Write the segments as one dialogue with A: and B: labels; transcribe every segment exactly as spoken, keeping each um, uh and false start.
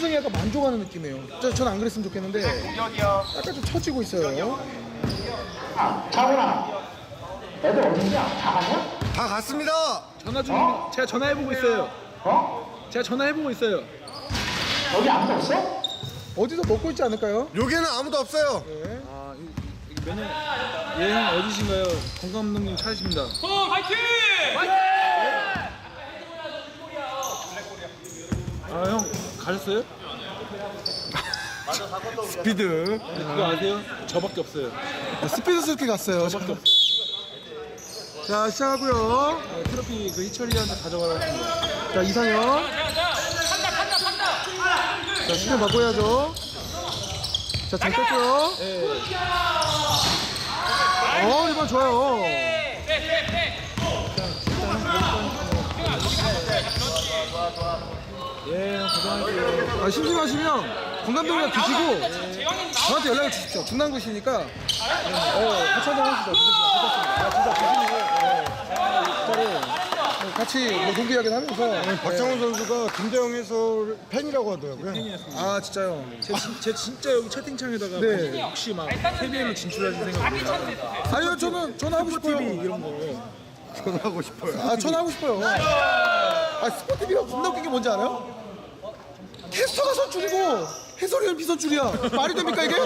A: 선수는 약간 만족하는 느낌이에요. 전 안 그랬으면 좋겠는데 약간 좀 처지고 있어요.
B: 자구나. 애들 어디냐? 다 갔냐?
C: 다 갔습니다.
A: 전화 중
B: 어?
A: 제가 전화해보고 있어요.
B: 어?
A: 제가 전화해보고 있어요.
B: 여기 아무도 없어?
A: 어디서 먹고 있지 않을까요?
C: 여기는 아무도 없어요.
A: 네.
D: 아, 이, 이 매년 예형 어디신가요? 권 감독님 찾으십니다.
E: 어, 화이팅!
D: 아, 형 가셨어요?
C: 스피드.
D: 그거 아세요? 저밖에 없어요.
A: 스피드스럽게 갔어요.
D: 저밖에 없어요.
A: 자, 시작하고요.
D: 아, 트로피 그 희철이한테 가져가라고 했습니다.
A: 자, 이상형. 자, 시간 바꿔야죠. 자, 잘 뺐고요.
D: 예.
A: 어, 이번 좋아요.
D: 예, 형 고생하세요.
A: 아, 심심하시면 건감독이랑 드시고 저한테 연락을 주십시오. 중랑구시니까 어, 같이 한잔 하시죠. 괜찮습니다. 아, 진짜 드시고 어, 진짜로 같이 뭐 농구 이야기를 하면서
C: 박정훈 선수가 김대영 해설 팬이라고 하더라고요.
D: 팬이었습니다.
A: 아, 진짜요.
D: 제, 진- 제 진짜 여기 채팅창에다가
A: 네.
D: 혹시 막 케이비엘로 진출하실 생각이에요?
A: 아니요, 저는 저는 하고 싶어요.
D: 티비 이런 거.
C: 전화하고 싶어요.
A: 아, 저는 하고 싶어요. 아, 스포티비가 겁나 웃긴 게 뭔지 알아요? 캐스터가 선출이고 해설위원 비선출이야. 말이 됩니까 이게?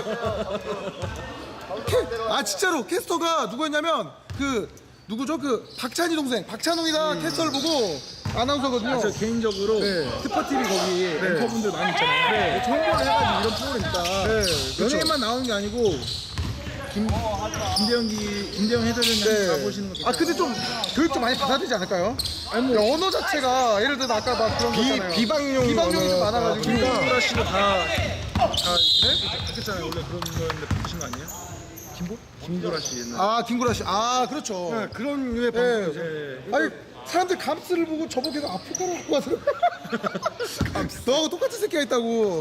A: 캐, 아 진짜로 캐스터가 누구였냐면 그 누구죠? 그 박찬희 동생 박찬웅이랑 캐스터를 보고 아나운서거든요.
D: 아, 저 개인적으로
A: 네.
D: 스포티비 거기 앵커분들 많이 있잖아요. 네. 홍보를 해가지고 이런 프로그램 있다.
A: 네, 그렇죠.
D: 연예인만 나오는 게 아니고 김 김대영기 김대영 해설위원님
A: 네.
D: 가보시는 거 괜찮아요.
A: 아 근데 좀 교육 좀 많이 받아야 되지 않을까요?
D: 아니 뭐
A: 언어 자체가 예를 들어 아까 막 그런 거
C: 비,
A: 있잖아요.
C: 비방용
A: 비방용이 좀 많아가지고
D: 김보라 씨도 다 다 네? 바뀌었잖아요. 원래 그런 거였는데 바뀌신 거 아니에요? 김보? 김보라 씨 옛날.
A: 아 김구라 씨, 아 그렇죠.
C: 네, 그런 류의
A: 네.
C: 방송이죠.
D: 네.
A: 아니 사람들 감스를 보고 저보고 아프리카라고 하더라고. 너하고 똑같은 새끼가 있다고.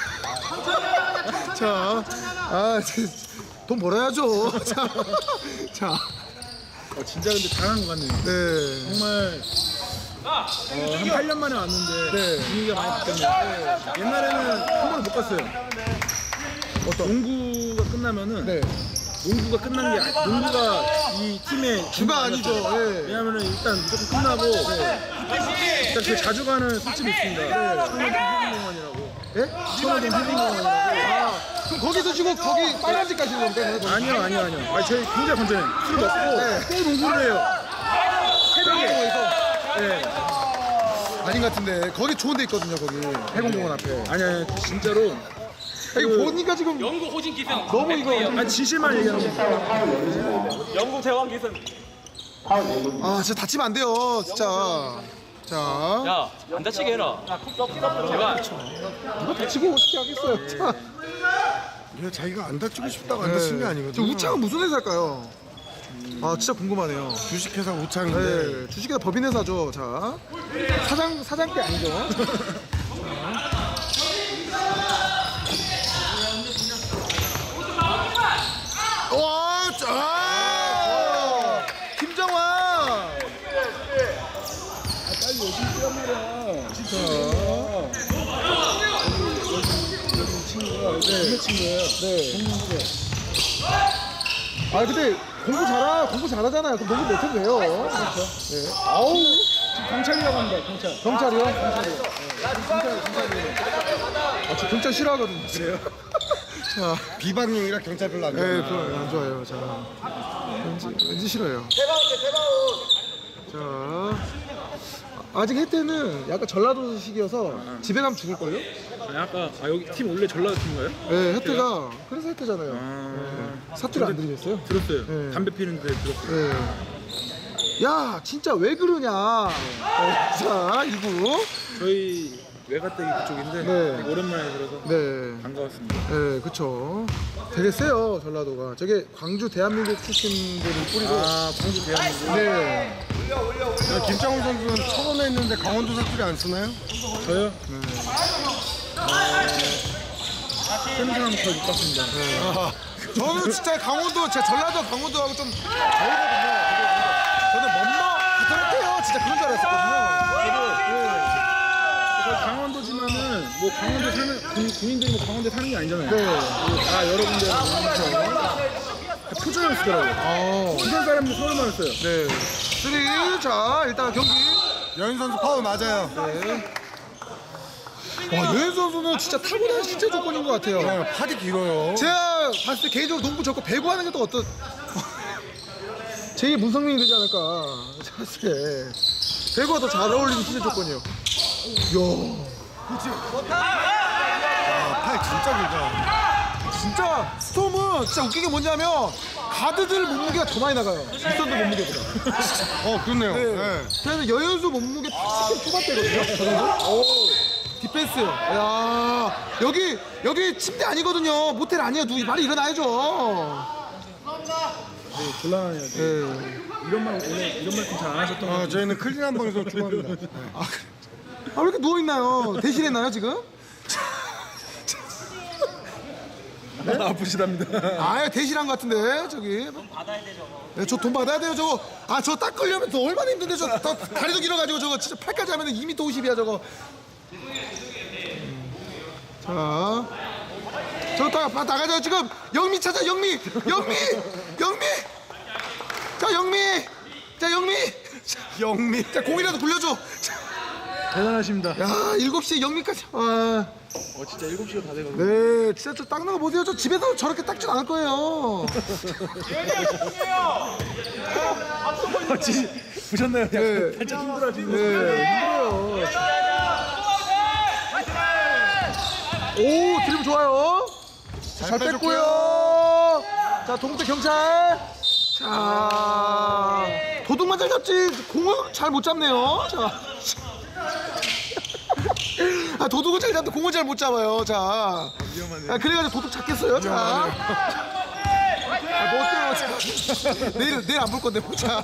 A: 자, 아, 돈 벌어야죠. 자, 자,
D: 어, 진짜 근데 잘한 것 같네요.
A: 네,
D: 정말 어, 한 팔 년 만에 왔는데
A: 네.
D: 분위기가 많이 바뀌었네요. 옛날에는 한 번도 못 갔어요. 어떤 농구가 끝나면은
A: 네.
D: 농구가 끝난 게 아니, 농구가 이 팀의
A: 주가 아니죠. 예.
D: 왜냐면은 일단 무조건 끝나고 일단 그 자주 가는 술집이 있습니다. 청호동 해빙공원이라고.
A: 예?
D: 청호동 해빙공원이라고.
A: 아, 그럼 거기 드시고 거기 빨간 집 가시는 겁니까?
D: 아니요, 아니요, 아니요. 아니 저희 굉장히 건전해요. 술 먹고
A: 네.
D: 또 농구를 해요. 새벽에.
A: 해공공원에서
D: 네.
A: 아닌 것 같은데 거기 좋은 데 있거든요. 거기 해공공원 앞에.
D: 아니 아니 진짜로.
A: 아, 이거 보니까 지금
E: 영국 호신 기승.
A: 너무 이거.
D: 아니 진실만 얘기하는 거.
E: 영국 대왕 기승.
A: 아, 진짜 다치면 안 돼요, 진짜. 자,
E: 야, 안 다치게 해라. 제발.
A: 누가 다치고 어떻게 하겠어요? 자.
C: 왜 자기가 안 다치고 싶다고 안 다친 게
A: 저
C: 아니거든요.
A: 우창은 무슨 회사일까요? 아 진짜 궁금하네요.
C: 주식회사 우창인데
A: 네, 주식회사 법인회사죠. 자, 사장 사장께 아니죠? 와, 자, 김정환.
D: 빨리 열심히 뛰란 말이야. 진짜. 여기 친구가 동네 친구예요.
A: 네.
D: 동문구에.
A: 아 근데 공부 잘하 공부 잘하잖아요. 그럼 농구 못해도 돼요. 그렇죠. 네. 아우,
D: 지금 경찰이라고 합니다. 경찰.
A: 경찰이요? 경찰이요.
D: 경찰 경찰이에요.
A: 아, 저 경찰 싫어하거든요. 그래요? 자.
C: 비방용이라 경찰 별로 안
A: 네,
C: 좋아해요.
A: 별로 안 좋아요. 자, 왠지, 왠지 싫어요. 자, 아직 혜태는 약간 전라도식이어서 집에 가면 죽을걸요?
D: 아니 아까 아 여기 팀 원래 전라도 팀인가요?
A: 네, 혜태가 그래서 혜태잖아요.
D: 아.
A: 네. 사투리 안 들리셨어요?
D: 들었어요.
A: 네.
D: 담배 피는데 들었어요.
A: 네. 야, 진짜 왜 그러냐? 네, 자, 이구.
D: 저희 외가댁이 그쪽인데
A: 네.
D: 되게 오랜만에 들어서
A: 네,
D: 반가웠습니다.
A: 네, 그쵸. 되게 세요, 전라도가. 저게 광주 대한민국 출신들이 뿌리고.
D: 아 광주 대한민국.
A: 네.
C: 야, 김창훈 선수는 천원에 했는데 강원도 사투리 안 쓰나요?
D: 저요? 샘슨 한번 더 못 봤습니다.
A: 아, 저는 진짜 강원도, 제 전라도 강원도하고 좀 다르거든요. 저는 멋머 같은 요 진짜 그런 줄 알았었거든요. 저도, 네.
D: 저 강원도지만은 여기는 뭐 강원도 사는 군, 군인들이 뭐 강원도에 사는 게 아니잖아요.
A: 네.
D: 그리고 다 여러 군데 모여서 표정을 쓰더라고요.
A: 어.
D: 부산 사람들 서울만 써요.
A: 네. 쓰리. 자, 일단 경기.
C: 여인 선수 파울 맞아요.
A: 네. 와, 여현 선수는 진짜 타고난 신체 조건인 것 같아요.
C: 네, 팔이 길어요.
A: 제가 봤을 때 개인적으로 농구 적고 배구 하는 게 또 어떤 제이 문성민이 되지 않을까. 제가 봤을 때 배구가 더 잘 어울리는 신체 조건이에요. 이야.
C: 아, 팔 진짜 길다.
A: 진짜 스톰은 진짜 웃긴 게 뭐냐면 가드들 몸무게가 더 많이 나가요. 윗선들 몸무게보다.
C: 어, 그렇네요.
A: 네.
C: 네.
A: 그래서 여현수 몸무게 팔십 킬로그램 초반대거든요. 저 정도? 오. 디펜스. 야 여기 여기 침대 아니거든요. 모텔 아니에요. 누구 빨리 일어나야죠.
D: 네, 곤란해요.
A: 네.
D: 이런 말 원래 이런 말씀 잘 안 하셨던 것
C: 아,
D: 같아요.
C: 저희는 클린한 방에서 좋아합니다.
A: 아, 왜 이렇게 누워 있나요? 대실했나요 지금?
D: 아프시답니다.
A: 아, 대실한 것 같은데 저기. 돈 받아야 돼 저거. 네, 저 돈 받아야 돼요 저거. 아, 저 딱 걸려면 또 얼마나 힘든데 저 더, 다리도 길어가지고 저거 진짜 팔까지 하면 이 미터 오십이야 저거. 자, 저 다, 다 나가자 지금. 영미 찾아 영미, 영미, 영미. 자 영미, 자 영미, 영미. 자 공이라도 굴려줘. 자,
D: 대단하십니다.
A: 야, 일곱 시에 영미까지. 아.
D: 어 진짜 일곱 시가 다 되거든요.
A: 네, 진짜 저 닦는 거 보세요. 저 집에서 저렇게 닦진 않을 거예요.
D: 아, 지, 보셨나요?
A: 네.
D: 살짝 힘들어지는.
A: 네, 힘들어요. 오, 드리블 좋아요. 자, 잘 뺐고요. 자, 동대 경찰. 자, 도둑만 잘 잡지 공을 잘 못 잡네요. 자. 아, 도둑은 잘 잡는데 공을 잘 못 잡아요. 자.
D: 위험하네요.
A: 아, 그래가지고 도둑 찾겠어요. 자. 아, 뭐 어때요? 자. 내일, 내일 안 볼 건데, 보자.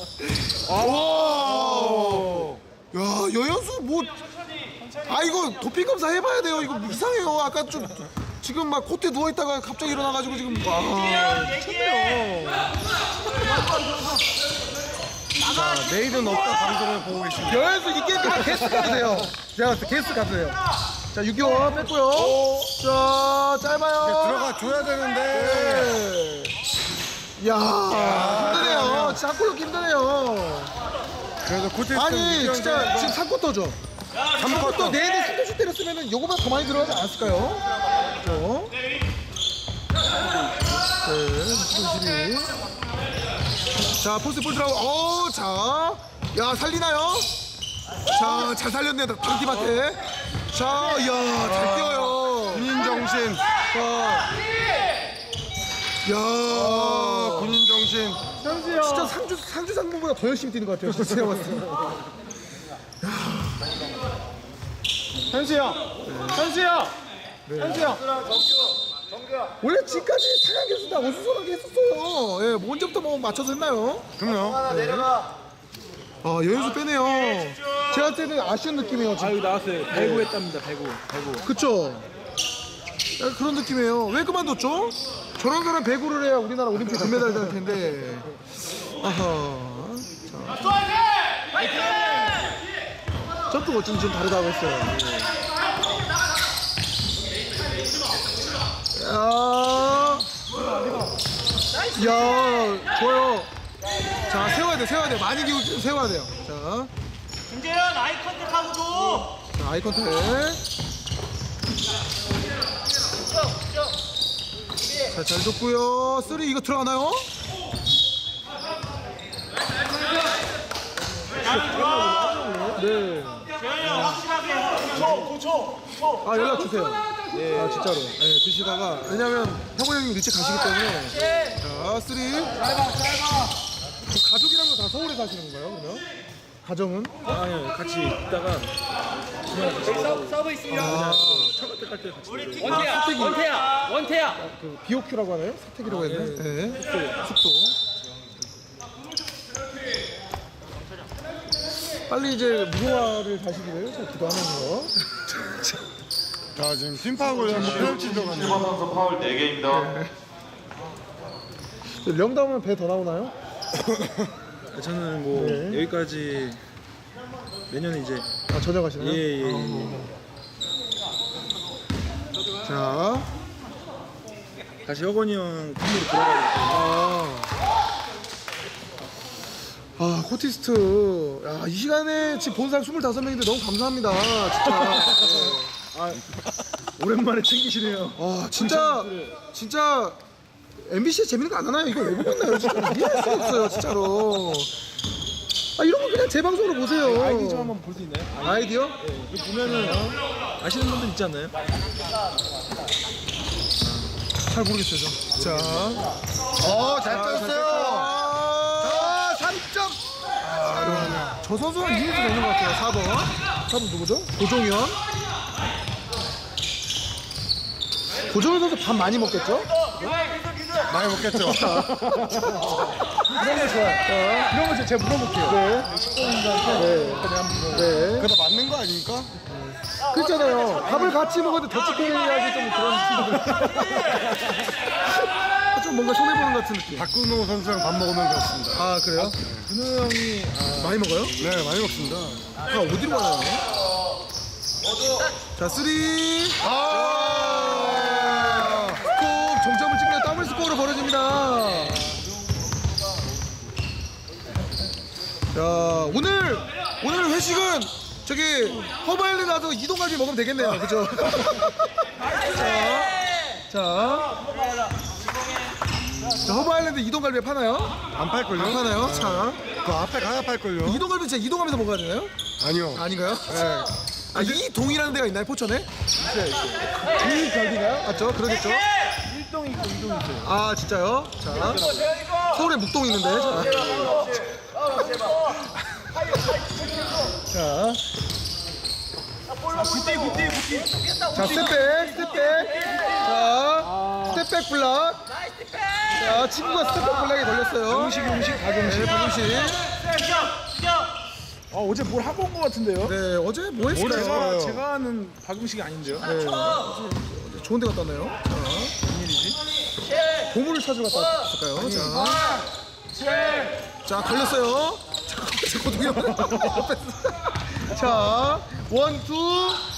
A: 와. 야, 여현수 뭐. 아, 이거 도핑 검사 해봐야 돼요. 이거 이상해요. 아까 좀. 지금 막 코트에 누워있다가 갑자기 일어나가지고 지금. 와. 미쳤네요.
C: 자, 내일은 없다 방송을 보고 계십니다.
A: 여현수 이 게임 다 게스트 가세요. 제가 봤을 때 게스트 가세요. 자, 육개월 뺐고요. 자, 짧아요.
C: 들어가 줘야 되는데.
A: 네. 야, 힘드네요. 진짜 한 골 넣기 힘드네요.
C: 그래도 코트
A: 아니, 진짜 지금 삼 쿼터죠. 삼 쿼터 내내 삼 점 때렸으면 요거보다 더 많이 들어가지 않았을까요? 그렇죠? 네, 이십이. 자, 포스 볼 들어가고, 어, 자. 야, 살리나요? 자, 잘 살렸네, 방팀한테. 자, 야, 잘 뛰어요.
C: 군인 정신.
A: 자, 야,
C: 군인 정신.
A: 진짜 상주 상주 상무보다 더 열심히 뛰는 것 같아요. 진짜 제가 봤을 때.
D: 현수 형, 현수 형, 현수 형.
A: 원래 지금까지 상한 교수 다 어수선하게 했었어요. 예, 뭐 언제부터 뭐 맞춰서 했나요?
C: 그럼요.
A: 아, 여현수 빼네요. 제가 할 때는 아쉬운 느낌이에요.
D: 아
A: 지금.
D: 여기 나왔어요. 배구 했답니다. 배구, 배구.
A: 그쵸? 약간 그런 느낌이에요. 왜 그만뒀죠? 저런 사람 배구를 해야 우리나라 올림픽 금메달 될 텐데. 아하. 자. 점프가 어쩐지 좀 다르다고 했어요. 야. 야, 좋아요. 자, 세워야 돼, 세워야 돼. 많이 기울 때 세워야 돼요. 자.
E: 김재현 아이 컨택하고 줘.
A: 자, 아이 컨택. 자, 잘 줬고요. 쓰리 이거 들어가나요? 네.
E: 재현이 형 확실하게 고쳐 고쳐 고쳐.
A: 아, 연락 주세요. 네. 아, 진짜로. 네, 드시다가 왜냐면 형우 형님 일찍 가시기 때문에. 자, 쓰리. 짧아, 짧아. 가족이랑도 다 서울에 사시는 건가요, 그러면? 가정은?
D: 아니요, 같이 있다가
E: 서브 서브 있으면
A: 아,
D: 차가 때깔 때 같이.
E: 우리 팀 원태야 원태야 원태야.
A: 그 비오큐라고 하나요? 사택이라고 했네. 네. 숙소. 빨리 이제 무궁화를 다시기를 잘 기도하면서.
C: 자, 지금 팀파악을 한번 페널티 들어갔네요.
F: 선수 파울 네 개입니다.
A: 령담은 배 더 나오나요?
D: 저는 뭐
A: 네.
D: 여기까지 내년에 이제
A: 아, 전역하시나요?
D: 예예 예, 예.
A: 어. 자,
D: 다시 혁원이 형 팀으로 들어가야 돼.
A: 아, 아 코티스트. 야, 이 시간에 지금 본 사람 스물다섯 명인데 너무 감사합니다. 진짜.
D: 오랜만에 챙기시네요.
A: 아, 진짜, 진짜 엠비씨에 재밌는 거 안 하나요? 이거 왜 보고 있나요? 진짜 이해할 수가 없어요, 진짜로. 아, 이런 거 그냥 제 방송으로 보세요.
D: 아이디 좀 한번 볼 수 있나요?
A: 아이디어?
D: 네, 이거 보면은 아시는 분들 있지 않나요?
A: 잘 모르겠어요, 저. 자,
C: 어, 잘 떴어요.
A: 자, 삼 점. 아, 저 선수랑 이미지가 있는 것 같아요. 사 번. 사 번 누구죠? 고종현. 고종현 선수 밥 많이 먹겠죠?
C: 많이 먹겠죠.
A: 이런 거 좋아요.
D: 이런 거 제가 물어볼게요.
A: 네.
D: 식구분들한테 한번
A: 네.
C: 그래도 맞는 거 아닙니까?
A: 그렇잖아요. 밥을 같이 먹었는데 더치페이하기 좀 그런 친구들. 좀 뭔가 손해보는 것 같은 느낌.
C: 박근호 선수랑 밥 먹으면 그렇습니다.
A: 아, 그래요?
D: 근우 형이 아,
A: 많이 먹어요?
C: 네, 많이 먹습니다.
A: 아, 어디로 가요? 자, 쓰리. 아! 꼭 정점을 찍며 더블 스코어로 벌어집니다. 자, 오늘 오늘 회식은 저기 허브아일랜드 가서 이동갈비 먹으면 되겠네요. 그죠? 자, 자, 자, 허브아일랜드 이동갈비 파나요?
C: 안 팔걸요?
A: 안 파나요? 자,
C: 그 앞에 가야 팔걸요?
A: 이동갈비 진짜 이동하면서 먹어야 되나요?
C: 아니요.
A: 아닌가요?
C: 네.
A: 아, 이동이라는 데가 있나요, 포천에?
D: 이 결비가요?
A: 맞죠? 그러겠죠?
D: 일동 있고 이동 있어요.
A: 아, 진짜요? 자, 서울에 묵동 있는데. 자,
E: 굿디 굿디 굿디.
A: 자, 스텝백, 스텝백. 자, 스텝백 블락. 자, 친구가 스텝백 블락에 걸렸어요.
D: 음식 음식 가정식.
A: 네, 박용식.
D: 아 어제 뭘 하고 온 것 같은데요?
A: 네, 어제 뭐 했어요?
D: 제가 제가 하는 박음식이 아닌데요?
A: 네, 어제 좋은 데 갔다 왔나요? 자,
D: 웬일이지?
A: 보물을 찾으러 갔다 왔을까요? 자, 자, 걸렸어요. 자, 고동현. 자, 원, 투.